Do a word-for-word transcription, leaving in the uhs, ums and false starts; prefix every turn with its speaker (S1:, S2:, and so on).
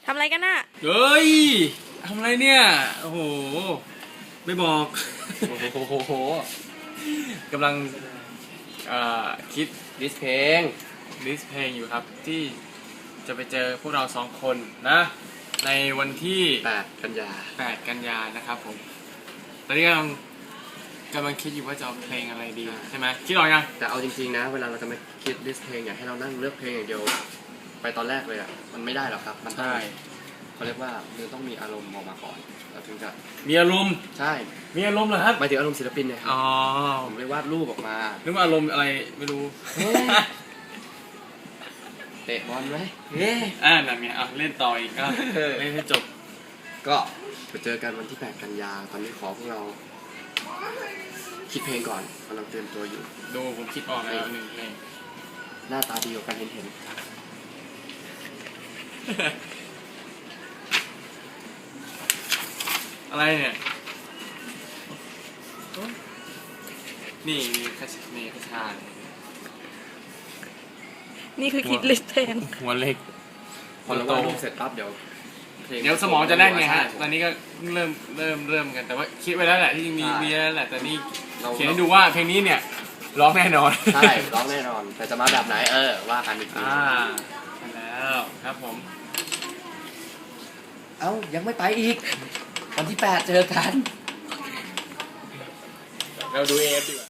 S1: ทำอะไรกันน่ะ
S2: เฮ้ยทำอะไรเนี่ยโอ้โหไม่บอกโอ้โหกำลังคิดลิสต์เพลงลิสต์เพลงอยู่ครับที่จะไปเจอพวกเราสองคนนะในวันที่
S3: แปดกันยา
S2: แปดกันยานะครับผมตอนนี้กำลังกำลังคิดอยู่ว่าจะเอาเพลงอะไรดีใช่ไหมคิดออกยัง
S3: แต่เอาจริงๆนะเวลาเราจะมาคิดลิสต์เพลงอยากให้เรานั่งเลือกเพลงอย่างเดียวไปตอนแรกเลยอ่ะมันไม่ได้หรอกครับมันต้องเขาเรียกว่ามันต้องมีอารมณ์ออกมาก่อนเราถึงจะ
S2: มีอารมณ์
S3: ใช่
S2: มีอารมณ์เหรอครับ
S3: หมายถึงอารมณ์ศิลปินเนี่ย
S2: อ๋อ
S3: ผมเลยวาดรูปออกมา
S2: นึกว่าอารมณ์อะไรไม่รู้
S3: เตะบอลไหม
S2: เฮ้อ่านั่นไงอ่ะเล่นต่ออีกก็เล่นให้จบ
S3: ก็ไปเจอกันวันที่แปดกันยาตอนนี้ขอพวกเราคิดเพลงก่อนกำลังเตรียมตัวอยู่
S2: ดูผมคิดออกแล้วหนึ่งเพลง
S3: หน้าตาดีกว่ากันเห็นเห็น
S2: อะไรเนี่ยนี่นี่คชนี่คชา
S1: นี่คือคิดลิสต์เพลง
S2: หัวเล็ก
S3: พอเราวาดรูปเสร็จปั๊บเดี๋ยว
S2: เดี๋ยวสมองจะแน่นไงฮะตอนนี้ก็เริ่มเริ่มเริ่มกันแต่ว่าคิดไว้แล้วแหละที่จริงมีมีแล้วแหละแต่นี่เขียนให้ดูว่าเพลงนี้เนี่ยร้องแน่นอน
S3: ใช่ร้องแน่นอนแต่จะมาแบบไหนเออว่ากันอีกที
S2: อ่าใช่แล้วครับผม
S3: เอ้ายังไม่ไปอีกวันที่แปดเจอกัน
S2: เราดูเอฟดีกว่า